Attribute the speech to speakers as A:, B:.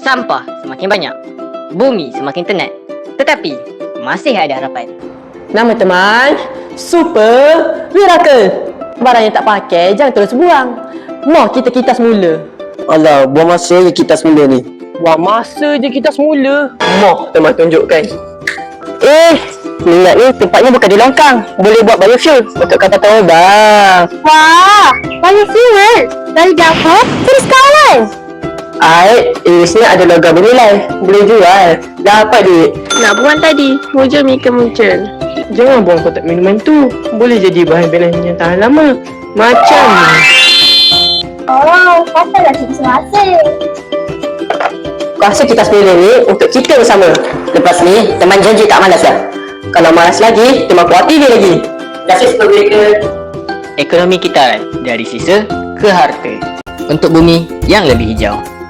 A: Sampah semakin banyak, bumi semakin tenat. Tetapi, masih ada harapan.
B: Nama teman, Super Miracle. Barang yang tak pakai jangan terus buang. Mau kita semula.
C: Alah, buang masa je kita semula ni.
B: Buang masa je kita semula. Mau teman tunjukkan.
C: Minyak ni tempatnya bukan di longkang. Boleh buat biofuel untuk kapal terbang.
D: Wah, biofuel dari dapur terus kawan.
C: Isinya ada logam bernilai. Boleh jual. Dapat duit.
D: Nak buang tadi, muncul Mika muncul.
B: Jangan buang kotak minuman tu. Boleh jadi bahan belah yang tahan lama. Macam
D: Oh, katalah semasa.
C: Kuasa kita semula ni untuk kita bersama. Lepas ni, teman janji tak malas dah. Kalau malas lagi, teman kuatir dia lagi. Terima kasih Super Miracle.
A: Ekonomi kita dari sisa ke harta. Untuk bumi yang lebih hijau.